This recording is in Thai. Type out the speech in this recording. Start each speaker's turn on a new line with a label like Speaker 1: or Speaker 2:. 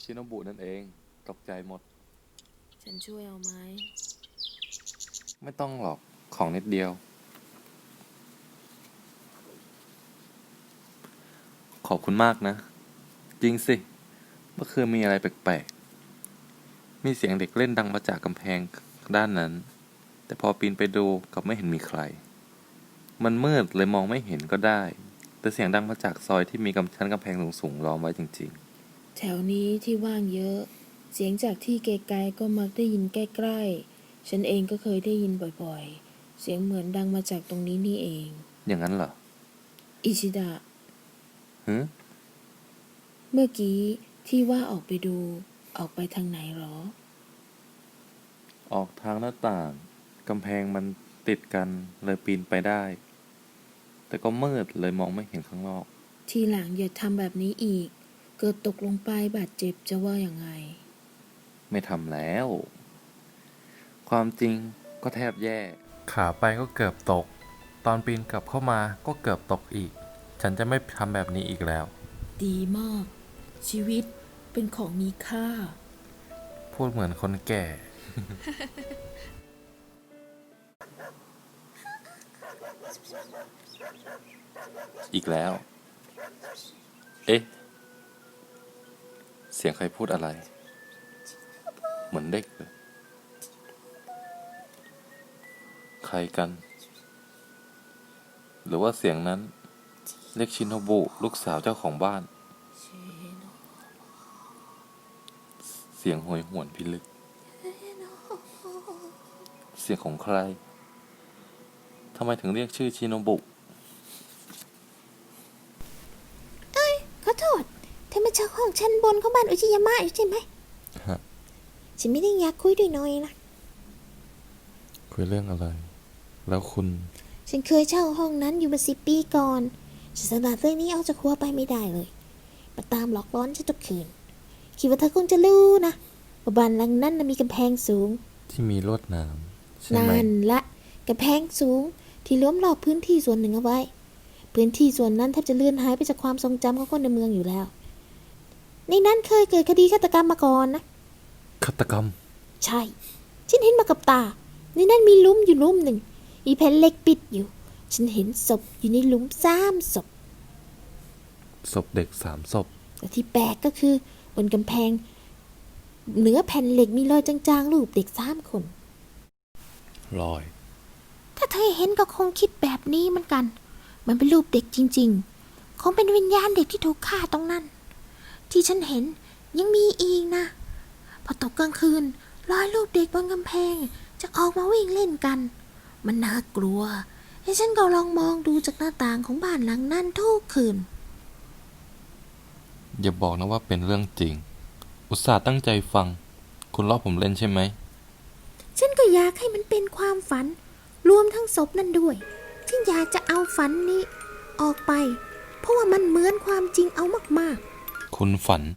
Speaker 1: ชิโนบุนั่นเองตกใจหมด
Speaker 2: ฉันช่วยเอาไหม
Speaker 1: ไม่ต้องหรอกของนิดเดียวขอบคุณมากนะจริงสิเมื่อคืนมีอะไรแปลกๆมีเสียงเด็กเล่นดังมาจากกำแพงด้านนั้นแต่พอปีนไปดูกลับไม่เห็นมีใครมันมืดเลยมองไม่เห็นก็ได้แต่เสียงดังมาจากซอยที่มีชั้นกำแพงสูงๆล้อมไว้จริง
Speaker 2: แถวนี้ที่ว่างเยอะเสียงจากที่ไกลๆก็มักได้ยินใกล้ๆฉันเองก็เคยได้ยินบ่อยๆเสียงเหมือนดังมาจากตรงนี้นี่เอง
Speaker 1: ๆอย่างนั้นเหรอ
Speaker 2: อิชิดะ
Speaker 1: ฮึ
Speaker 2: เมื่อกี้ที่ว่าออกไปดูออกไปทางไหนหรอ
Speaker 1: ออกทางหน้าต่างกำแพงมันติดกันเลยปีนไปได้แต่ก็มืดเลยมองไม่เห็นข้างนอก
Speaker 2: ทีหลังอย่าทำแบบนี้อีกเกิดตกลงไปบาดเจ็บจะว่าอย่างไง
Speaker 1: ไม่ทำแล้ว ความจริงก็แทบแย่ขาไปก็เกือบตก ตอนปีนกลับเข้ามาก็เกือบตกอีก ฉันจะไม่ทำแบบนี้อีกแล้ว
Speaker 2: ดีมากชีวิตเป็นของมีค่า
Speaker 1: พูดเหมือนคนแก่ อีกแล้ว เอ๊ะ เสียงใครพูดอะไร เหมือนเด็กเลย ใครกัน หรือว่าเสียงนั้นเรียกชินโนบุลูกสาวเจ้าของบ้าน เสียงโหยหวนพิลึก เสียงของใคร ทำไมถึงเรียกชื่อชินโนบุ
Speaker 3: ขอโทษเธอมาเช่าห้องชั้นบนของบ้านอุจิยามะอยู่ใช่ไหม
Speaker 1: ฮะ
Speaker 3: ฉันไม่ได้อยากคุยด้วยหน่อยนะ
Speaker 1: คุยเรื่องอะไร แล้วคุณ
Speaker 3: ฉันเคยเช่าห้องนั้นอยู่มา10 ปีก่อนฉันสลัดเรื่องนี้ออกจากหัวไปไม่ได้เลยมาตามหลอกล้อนฉันทุกคืนคิดว่าเธอคงจะรู้นะว่าบ้านหลังนั้นมีกำแพงสูง
Speaker 1: ที่มีลวดหนามใช่ไหม
Speaker 3: นั่นละกำแพงสูงที่ล้อมรอบพื้นที่ส่วนหนึ่งเอาไว้พื้นที่ส่วนนั้นแทบจะเลือนหายไปจากความทรงจำของคนในเมืองอยู่แล้วในนั้นเคยเกิดคดีฆาตกรรมมาก่อนนะ
Speaker 1: ฆาตกรรม
Speaker 3: ใช่ฉันเห็นมากับตาในนั้นมีหลุมอยู่หลุมหนึ่งมีแผ่นเหล็กปิดอยู่ฉันเห็นศพอยู่ในหลุม3 ศพ
Speaker 1: ศพเด็ก3 ศพ
Speaker 3: แต่ที่แปลกก็คือบนกำแพงเหนือแผ่นเหล็กมีรอยจางๆรูปเด็ก3 คน
Speaker 1: รอย
Speaker 3: ถ้าเธอเห็นก็คงคิดแบบนี้เหมือนกันมันเป็นรูปเด็กจริงๆคงเป็นวิญญาณเด็กที่ถูกฆ่าตรงนั้นที่ฉันเห็นยังมีอีกนะพอตกกลางคืนรอยรูปเด็กบนกำแพงจะออกมาวิ่งเล่นกันมันน่ากลัวให้ฉันก็ลองมองดูจากหน้าต่างของบ้านหลังนั้นทุกคืน
Speaker 1: อย่าบอกนะว่าเป็นเรื่องจริง อุตส่าห์ตั้งใจฟัง คุณล้อผมเล่นใช่ไหม
Speaker 3: ฉันก็อยากให้มันเป็นความฝันรวมทั้งศพนั่นด้วยฉันอยากจะเอาฝันนี้ออกไปเพราะว่ามันเหมือนความจริงเอามากๆ
Speaker 1: คุณฝัน